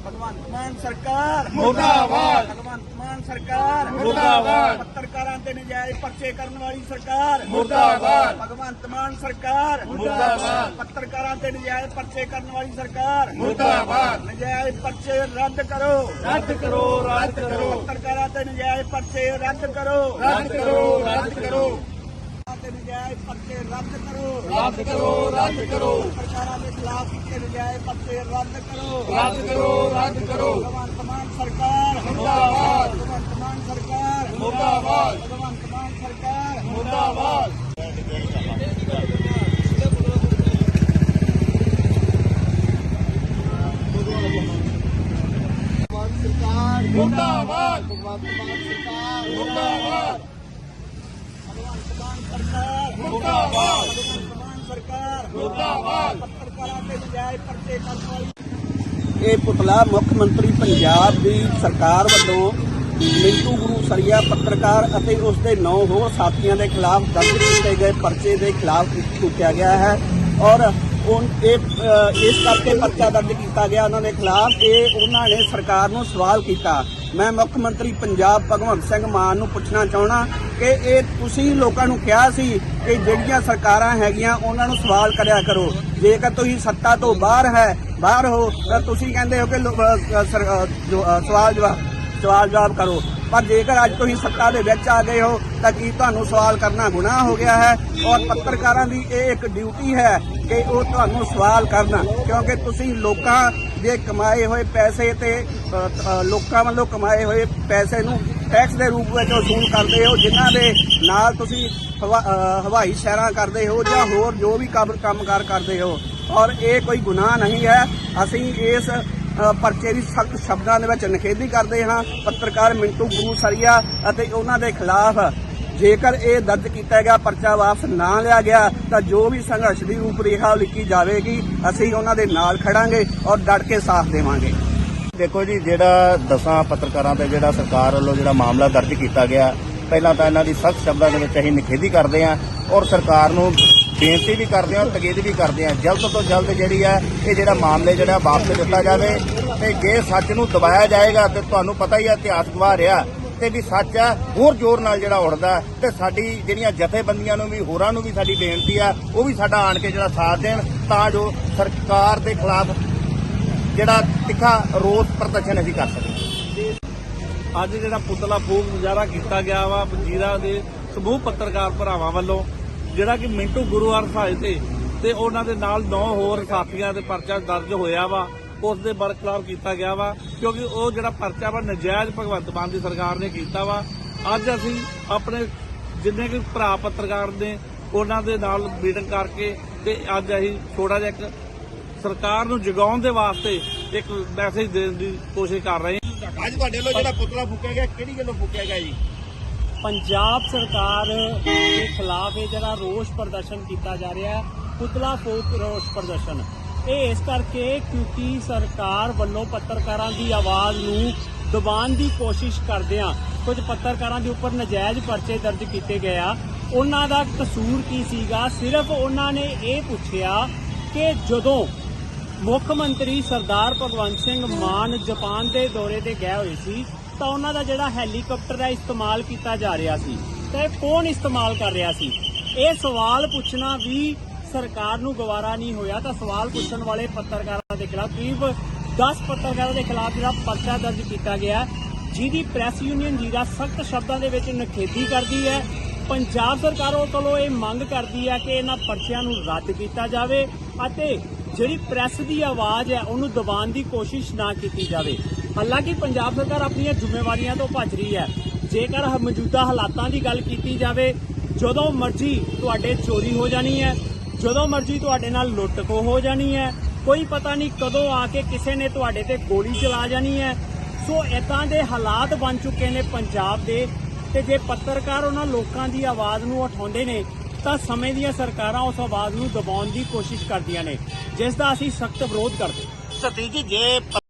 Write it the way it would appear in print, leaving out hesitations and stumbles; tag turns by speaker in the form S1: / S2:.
S1: भगवंत मान सरकार
S2: मुर्दाबाद।
S1: भगवंत मान सरकार
S2: मुर्दाबाद।
S1: पत्रकारां ते नजायज पर्चे करने वाली सरकार
S2: मुर्दाबाद।
S1: भगवंत मान सरकार
S2: मुर्दाबाद।
S1: पत्रकारां ते नजायज पर्चे करने वाली सरकार
S2: मुर्दाबाद।
S1: नजायज पर्चे रद्द करो
S2: रद्द करो, रद्द करो,
S1: पत्रकारां ते नजायज पर्चे रद्द करो
S2: रद्द करो, रद्द करो,
S1: ते नजायज पर्चे रद्द करो
S2: रद्द करो, रद्द करो,
S1: पत्रकारां के खिलाफ कीते नजायज पर्चे रद्द करो
S2: रद्द करो, रद्द करो।
S1: भगवंत मान सरकार
S2: मुर्दाबाद।
S1: भगवंत मान सरकार
S2: मुर्दाबाद।
S1: भगवंत मान सरकार
S2: मुर्दाबाद।
S1: सरकार
S2: मुर्दाबाद।
S1: भगवंत मान सरकार
S2: मुर्दाबाद।
S1: भगवंत मान सरकार
S2: मुर्दाबाद।
S1: भगवंत मान सरकार
S2: मुर्दाबाद।
S1: पत्रकारां ते नजायज पर्चे करने वाली ਇਹ ਪੁਤਲਾ ਮੁੱਖ ਮੰਤਰੀ ਪੰਜਾਬ ਦੀ ਸਰਕਾਰ ਵੱਲੋਂ ਮਿੰਟੂ ਗੁਰੂ ਸਰੀਆ ਪੱਤਰਕਾਰ ਅਤੇ ਉਸ ਦੇ 9 ਹੋਰ ਸਾਥੀਆਂ ਦੇ ਖਿਲਾਫ ਦਰਜ ਕੀਤੇ ਗਏ ਪਰਚੇ ਦੇ ਖਿਲਾਫ ਚੁੱਕਿਆ ਗਿਆ ਹੈ ਔਰ ਇਸ ਕਰਕੇ ਪਰਚਾ ਦਰਜ ਕੀਤਾ ਗਿਆ ਉਹਨਾਂ ਦੇ ਖਿਲਾਫ ਕਿ ਉਹਨਾਂ ਨੇ ਸਰਕਾਰ ਨੂੰ ਸਵਾਲ ਕੀਤਾ। ਮੈਂ ਮੁੱਖ ਮੰਤਰੀ ਪੰਜਾਬ ਭਗਵੰਤ ਸਿੰਘ ਮਾਨ ਨੂੰ ਪੁੱਛਣਾ ਚਾਹੁੰਦਾ ਕਿ ਇਹ ਤੁਸੀਂ ਲੋਕਾਂ ਨੂੰ ਕਿਹਾ ਸੀ ਕਿ ਜਿਹੜੀਆਂ ਸਰਕਾਰਾਂ ਹੈਗੀਆਂ ਉਹਨਾਂ ਨੂੰ ਸਵਾਲ ਕਰਿਆ ਕਰੋ, ਜੇਕਰ ਤੁਸੀਂ ਸੱਤਾ ਤੋਂ ਬਾਹਰ ਹੋ ਤਾਂ ਤੁਸੀਂ ਕਹਿੰਦੇ ਹੋ ਕਿ ਸਵਾਲ ਜਵਾਬ ਕਰੋ, ਪਰ ਜੇਕਰ ਅੱਜ ਤੁਸੀਂ ਸੱਤਾ ਦੇ ਵਿੱਚ ਆ ਗਏ ਹੋ ਤਾਂ ਕੀ ਤੁਹਾਨੂੰ ਸਵਾਲ ਕਰਨਾ ਗੁਨਾਹ ਹੋ ਗਿਆ ਹੈ? ਔਰ ਪੱਤਰਕਾਰਾਂ ਦੀ ਇਹ ਇੱਕ ਡਿਊਟੀ ਹੈ ਕਿ ਉਹ ਤੁਹਾਨੂੰ ਸਵਾਲ ਕਰਨ, ਕਿਉਂਕਿ ਤੁਸੀਂ ਲੋਕਾਂ ਦੇ ਕਮਾਏ ਹੋਏ ਪੈਸੇ ਤੇ ਲੋਕਾਂ ਵੱਲੋਂ ਕਮਾਏ ਹੋਏ ਪੈਸੇ ਨੂੰ ਟੈਕਸ ਦੇ ਰੂਪ ਵਿੱਚ ਵਸੂਲ ਕਰਦੇ ਹੋ, ਜਿਨ੍ਹਾਂ ਦੇ ਨਾਲ ਤੁਸੀਂ ਹਵਾਈ ਸੈਰਾਂ ਕਰਦੇ ਹੋ ਜਾਂ ਹੋਰ ਜੋ ਵੀ ਕੰਮਕਾਰ ਕਰਦੇ ਹੋ, ਔਰ ਇਹ ਕੋਈ ਗੁਨਾਹ ਨਹੀਂ ਹੈ। ਅਸੀਂ ਇਸ ਪਰਚੇ ਦੀ ਸਖਤ ਸ਼ਬਦਾਂ ਦੇ ਵਿੱਚ ਨਿਖੇਧੀ ਕਰਦੇ ਹਾਂ। ਪੱਤਰਕਾਰ ਮਿੰਟੂ ਗੁਰੂ ਸਰੀਆ ਅਤੇ ਉਹਨਾਂ ਦੇ ਖਿਲਾਫ ਜੇਕਰ ਇਹ ਦਰਜ ਕੀਤਾ ਗਿਆ ਪਰਚਾ ਵਾਪਸ ਨਾ ਲਿਆ ਗਿਆ ਤਾਂ ਜੋ ਵੀ ਸੰਘਰਸ਼ ਦੀ ਰੂਪਰੇਖਾ ਲਿਖੀ ਜਾਵੇਗੀ ਅਸੀਂ ਉਹਨਾਂ ਦੇ ਨਾਲ ਖੜਾਂਗੇ ਔਰ ਡਟ ਕੇ ਸਾਥ ਦੇਵਾਂਗੇ।
S3: ਦੇਖੋ ਜੀ, ਜਿਹੜਾ 10 ਪੱਤਰਕਾਰਾਂ ਤੇ ਜਿਹੜਾ ਸਰਕਾਰ ਵੱਲੋਂ ਜਿਹੜਾ ਮਾਮਲਾ ਦਰਜ ਕੀਤਾ ਗਿਆ, ਪਹਿਲਾਂ ਤਾਂ ਇਹਨਾਂ ਦੀ ਸਖਤ ਸ਼ਬਦਾਂ ਦੇ ਵਿੱਚ ਅਸੀਂ ਨਿਖੇਧੀ ਕਰਦੇ ਹਾਂ ਔਰ ਸਰਕਾਰ ਨੂੰ ਬੇਨਤੀ ਵੀ ਕਰਦੇ ਹਾਂ, ਤਕੀਦ ਵੀ ਕਰਦੇ ਹਾਂ ਜਲਦ ਤੋਂ ਜਲਦ ਜਿਹੜੀ ਹੈ ਇਹ ਜਿਹੜਾ ਮਾਮਲੇ ਜਿਹੜਾ ਵਾਪਸ ਦਿੱਤਾ ਜਾਵੇ ਤੇ ਜੇ ਸੱਚ ਨੂੰ ਦਬਾਇਆ ਜਾਏਗਾ ਤੇ ਤੁਹਾਨੂੰ ਪਤਾ ਹੀ ਹੈ ਇਤਿਹਾਸ ਗਵਾਹ ਰਿਹਾ ਤੇ ਵੀ ਸੱਚ ਹੈ ਹੋਰ ਜ਼ੋਰ ਨਾਲ ਜਿਹੜਾ ਉੱਠਦਾ ਤੇ ਸਾਡੀ ਜਿਹੜੀਆਂ ਜਥੇਬੰਦੀਆਂ ਨੂੰ ਵੀ ਹੋਰਾਂ ਨੂੰ ਵੀ ਸਾਡੀ ਬੇਨਤੀ ਆ ਉਹ ਵੀ ਸਾਡਾ ਆਣ ਕੇ ਜਿਹੜਾ ਸਾਥ ਦੇਣ ਤਾਂ ਜੋ ਸਰਕਾਰ ਦੇ ਖਿਲਾਫ ਜਿਹੜਾ ਤਿੱਖਾ ਰੋਸ ਪ੍ਰਦਰਸ਼ਨ ਅਸੀਂ ਕਰ ਸਕੀਏ।
S4: ਅੱਜ ਜਿਹੜਾ ਪੁਤਲਾ ਫੂਕ ਮੁਜ਼ਾਹਰਾ ਕੀਤਾ ਗਿਆ ਵਾ ਵਜ਼ੀਰਾਂ ਦੇ ਸਮੂਹ ਪੱਤਰਕਾਰ ਭਰਾਵਾਂ ਵੱਲੋਂ, ਜਿਹੜਾ ਕਿ ਮਿੰਟੂ ਗੁਰੂ ਹਰਸਾਏ ਤੇ ਉਹਨਾਂ ਦੇ ਨਾਲ 9 ਹੋਰ ਸਾਥੀਆਂ ਦੇ ਪਰਚਾ ਦਰਜ ਹੋਇਆ ਵਾ, ਉਸ ਦੇ ਬਰਖਲਾਫ ਕੀਤਾ ਗਿਆ ਵਾ ਕਿਉਂਕਿ ਉਹ ਜਿਹੜਾ ਪਰਚਾ ਵਾ ਨਜਾਇਜ਼ ਭਗਵੰਤ ਮਾਨ ਦੀ ਸਰਕਾਰ ਨੇ ਕੀਤਾ ਵਾ। ਅੱਜ ਅਸੀਂ ਆਪਣੇ ਜਿੰਨੇ ਕਿ ਭਰਾ ਪੱਤਰਕਾਰ ਨੇ ਉਹਨਾਂ ਦੇ ਨਾਲ ਮੀਟਿੰਗ ਕਰਕੇ ਤੇ ਅੱਜ ਅਸੀਂ ਥੋੜਾ ਜਿਹਾ ਇੱਕ ਸਰਕਾਰ ਨੂੰ ਜਗਾਉਣ ਦੇ ਵਾਸਤੇ ਇੱਕ ਮੈਸੇਜ ਦੇਣ ਦੀ ਕੋਸ਼ਿਸ਼ ਕਰ ਰਹੇ ਹਾਂ।
S3: ਅੱਜ ਤੁਹਾਡੇ ਵੱਲੋਂ ਜਿਹੜਾ ਪੁਤਲਾ ਫੂਕਿਆ ਗਿਆ ਕਿਹੜੀ ਗੱਲੋਂ ਫੂਕਿਆ ਗਿਆ ਜੀ?
S5: ਪੰਜਾਬ ਸਰਕਾਰ ਦੇ ਖਿਲਾਫ ਇਹ ਜਿਹੜਾ ਰੋਸ ਪ੍ਰਦਰਸ਼ਨ ਕੀਤਾ ਜਾ ਰਿਹਾ ਹੈ, ਪੁਤਲਾ ਫੂਕ ਰੋਸ ਪ੍ਰਦਰਸ਼ਨ, ਇਹ ਇਸ ਕਰਕੇ ਕਿਉਂਕਿ ਸਰਕਾਰ ਵੱਲੋਂ ਪੱਤਰਕਾਰਾਂ ਦੀ ਆਵਾਜ਼ ਨੂੰ ਦਬਾਉਣ ਦੀ ਕੋਸ਼ਿਸ਼ ਕਰਦਿਆਂ ਕੁਝ ਪੱਤਰਕਾਰਾਂ ਦੇ ਉੱਪਰ ਨਜਾਇਜ਼ ਪਰਚੇ ਦਰਜ ਕੀਤੇ ਗਏ ਆ। ਉਹਨਾਂ ਦਾ ਕਸੂਰ ਕੀ ਸੀਗਾ? ਸਿਰਫ ਉਹਨਾਂ ਨੇ ਇਹ ਪੁੱਛਿਆ ਕਿ ਜਦੋਂ ਮੁੱਖ ਮੰਤਰੀ ਸਰਦਾਰ ਭਗਵੰਤ ਸਿੰਘ ਮਾਨ ਜਾਪਾਨ ਦੇ ਦੌਰੇ ਤੇ ਗਏ ਹੋਏ ਸੀ ਤਾਂ ਉਹਨਾਂ ਦਾ ਜਿਹੜਾ ਹੈਲੀਕਾਪਟਰ ਦਾ ਇਸਤੇਮਾਲ ਕੀਤਾ ਜਾ ਰਿਹਾ ਸੀ ਤੇ ਕੌਣ ਇਸਤੇਮਾਲ ਕਰ ਰਿਹਾ ਸੀ? ਇਹ ਸਵਾਲ ਪੁੱਛਣਾ ਵੀ ਸਰਕਾਰ ਨੂੰ ਗਵਾਰਾ ਨਹੀਂ ਹੋਇਆ ਤਾਂ ਸਵਾਲ ਪੁੱਛਣ ਵਾਲੇ ਪੱਤਰਕਾਰਾਂ ਦੇ ਖਿਲਾਫ ਕਰੀਬ 10 ਪੱਤਰਕਾਰਾਂ ਦੇ ਖਿਲਾਫ ਜਿਹੜਾ ਪਰਚਾ ਦਰਜ ਕੀਤਾ ਗਿਆ, ਜਿਹਦੀ ਪ੍ਰੈਸ ਯੂਨੀਅਨ ਜੀਰਾ ਸਖਤ ਸ਼ਬਦਾਂ ਦੇ ਵਿੱਚ ਨਿਖੇਧੀ ਕਰਦੀ ਹੈ। ਪੰਜਾਬ ਸਰਕਾਰ ਕੋਲੋਂ ਇਹ ਮੰਗ ਕਰਦੀ ਹੈ ਕਿ ਇਹਨਾਂ ਪਰਚਿਆਂ ਨੂੰ ਰੱਦ ਕੀਤਾ ਜਾਵੇ ਅਤੇ ਜਿਹੜੀ ਪ੍ਰੈਸ ਦੀ ਆਵਾਜ਼ ਹੈ ਉਹਨੂੰ ਦਬਾਉਣ ਦੀ ਕੋਸ਼ਿਸ਼ ਨਾ ਕੀਤੀ ਜਾਵੇ। ਹਾਲਾਂਕਿ ਪੰਜਾਬ ਸਰਕਾਰ ਆਪਣੀਆਂ ਜ਼ਿੰਮੇਵਾਰੀਆਂ ਤੋਂ ਭੱਜ ਰਹੀ ਹੈ। ਜੇਕਰ ਮੌਜੂਦਾ ਹਾਲਾਤਾਂ ਦੀ ਗੱਲ ਕੀਤੀ ਜਾਵੇ, ਜਦੋਂ ਮਰਜ਼ੀ ਤੁਹਾਡੇ ਚੋਰੀ ਹੋ ਜਾਣੀ ਹੈ, ਜਦੋਂ ਮਰਜ਼ੀ ਤੁਹਾਡੇ ਨਾਲ ਲੁੱਟ-ਖੋਹ ਹੋ ਜਾਣੀ ਹੈ, ਕੋਈ ਪਤਾ ਨਹੀਂ ਕਦੋਂ ਆ ਕੇ ਕਿਸੇ ਨੇ ਤੁਹਾਡੇ ਤੇ ਗੋਲੀ ਚਲਾ ਜਾਣੀ ਹੈ। ਸੋ ਇਦਾਂ ਦੇ ਹਾਲਾਤ ਬਣ ਚੁੱਕੇ ਨੇ ਪੰਜਾਬ ਦੇ ਤੇ ਜੇ ਪੱਤਰਕਾਰ ਉਹਨਾਂ ਲੋਕਾਂ ਦੀ ਆਵਾਜ਼ ਨੂੰ ਉਠਾਉਂਦੇ ਨੇ ਤਾਂ ਸਮੇਂ ਦੀਆਂ ਸਰਕਾਰਾਂ ਉਸ ਆਵਾਜ਼ ਨੂੰ ਦਬਾਉਣ ਦੀ ਕੋਸ਼ਿਸ਼ ਕਰਦੀਆਂ ਨੇ, ਜਿਸ ਦਾ ਅਸੀਂ ਸਖਤ ਵਿਰੋਧ ਕਰਦੇ।
S3: ਸਤੀ ਜੀ, ਜੇ